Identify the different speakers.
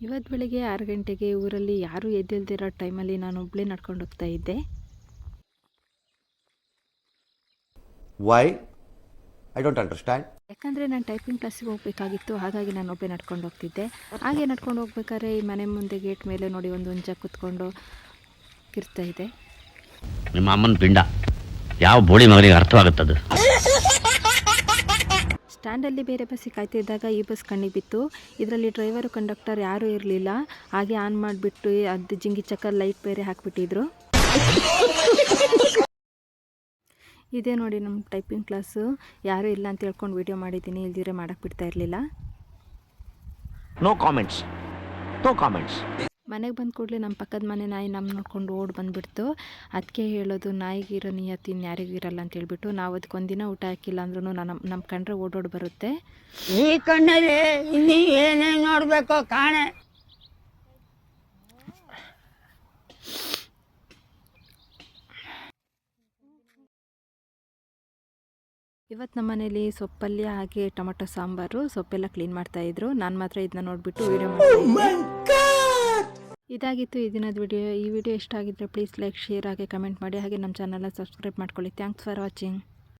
Speaker 1: ಇವತ್ತು ಬೆಳಿಗ್ಗೆ 6 ಗಂಟೆಗೆ ಊರಲ್ಲಿ ಯಾರೂ ಎದ್ದಿಲ್ದಿರೋ ಟೈಮಲ್ಲಿ ನಾನು ಒಬ್ಬಳೇ ನಡ್ಕೊಂಡು ಹೋಗ್ತಾ ಇದ್ದೆ.
Speaker 2: Why I don't understand.
Speaker 1: ಯಾಕಂದರೆ ನಾನು ಟೈಪಿಂಗ್ ಕ್ಲಾಸಿಗೆ ಹೋಗಬೇಕಾಗಿತ್ತು, ಹಾಗಾಗಿ ನಾನು ಒಬ್ಬಳೇ ನಡ್ಕೊಂಡು ಹೋಗ್ತಿದ್ದೆ. ಹಾಗೆ ನಡ್ಕೊಂಡು ಹೋಗ್ಬೇಕಾದ್ರೆ ಈ ಮನೆ ಮುಂದೆ ಗೇಟ್ ಮೇಲೆ ನೋಡಿ ಒಂದು ಹುಂಜ ಕೂತ್ಕೊಂಡು ಕಿರ್ತಾ ಇದೆ.
Speaker 3: ನಿಮ್ಮ ಅಮ್ಮನ ಪಿಂಡ ಯಾವ ಬೋಳಿ ಮಗನಿಗೆ ಅರ್ಥವಾಗುತ್ತದೆ.
Speaker 1: ಸ್ಟ್ಯಾಂಡಲ್ಲಿ ಬೇರೆ ಬಸ್ಸಿಗೆ ಕಾಯ್ತಿದ್ದಾಗ ಈ ಬಸ್ ಕಣ್ಣಿಗೆ ಬಿತ್ತು. ಇದರಲ್ಲಿ ಡ್ರೈವರು ಕಂಡಕ್ಟರ್ ಯಾರೂ ಇರಲಿಲ್ಲ. ಹಾಗೆ ಆನ್ ಮಾಡಿಬಿಟ್ಟು ಅದು ಜಿಂಗಿ ಚಕ್ಕ ಲೈಟ್ ಬೇರೆ ಹಾಕಿಬಿಟ್ಟಿದ್ರು. ಇದೇ ನೋಡಿ ನಮ್ಮ ಟೈಪಿಂಗ್ ಕ್ಲಾಸು. ಯಾರೂ ಇಲ್ಲ ಅಂತ ಹೇಳ್ಕೊಂಡು ವೀಡಿಯೋ ಮಾಡಿದ್ದೀನಿ, ಇಲ್ದಿರೆ ಮಾಡೋಕ್ಕೆ ಬಿಡ್ತಾ ಇರಲಿಲ್ಲ.
Speaker 3: No comments, no comments.
Speaker 1: ಮನೆಗೆ ಬಂದ ಕೂಡಲೇ ನಮ್ಮ ಪಕ್ಕದ ಮನೆ ನಾಯಿ ನಮ್ಮ ನೋಡ್ಕೊಂಡು ಓಡಿ ಬಂದುಬಿಡ್ತು. ಅದಕ್ಕೆ ಹೇಳೋದು, ನಾಯಿಗಿರೋ ನಿಯತ್ತು ಇನ್ಯಾರಿಗೂ ಇರಲ್ಲ ಅಂತ ಹೇಳ್ಬಿಟ್ಟು. ನಾವು ಅದಕ್ಕೆ ಒಂದಿನ ಊಟ ಹಾಕಿಲ್ಲ ಅಂದ್ರೂ ನಮ್ಮ ಕಂಡ್ರೆ ಓಡೋಡಿ ಬರುತ್ತೆ.
Speaker 4: ಈ ಕಣ್ಣಲ್ಲಿ ಇನ್ನೂ ಏನೇನು ನೋಡಬೇಕೋ ಕಾಣೆ.
Speaker 1: ಇವತ್ತು ನಮ್ಮ ಮನೇಲಿ ಸೊಪ್ಪಲ್ಯ ಹಾಗೆ ಟೊಮೆಟೊ ಸಾಂಬಾರು, ಸೊಪ್ಪೆಲ್ಲ ಕ್ಲೀನ್ ಮಾಡ್ತಾಯಿದ್ರು. ನಾನು ಮಾತ್ರ ಇದನ್ನ ನೋಡಿಬಿಟ್ಟು ವೀಡಿಯೋ ಮಾಡಿದ್ದೆ. ಇದಾಗಿತ್ತು ಈ ದಿನದ ವಿಡಿಯೋ. ಈ ವಿಡಿಯೋ ಇಷ್ಟ ಆಗಿದ್ದರೆ ಪ್ಲೀಸ್ ಲೈಕ್, ಶೇರ್ ಹಾಗೆ ಕಮೆಂಟ್ ಮಾಡಿ. ಹಾಗೆ ನಮ್ಮ ಚಾನಲ್ನ ಸಬ್ಸ್ಕ್ರೈಬ್ ಮಾಡ್ಕೊಳ್ಳಿ. Thanks for watching.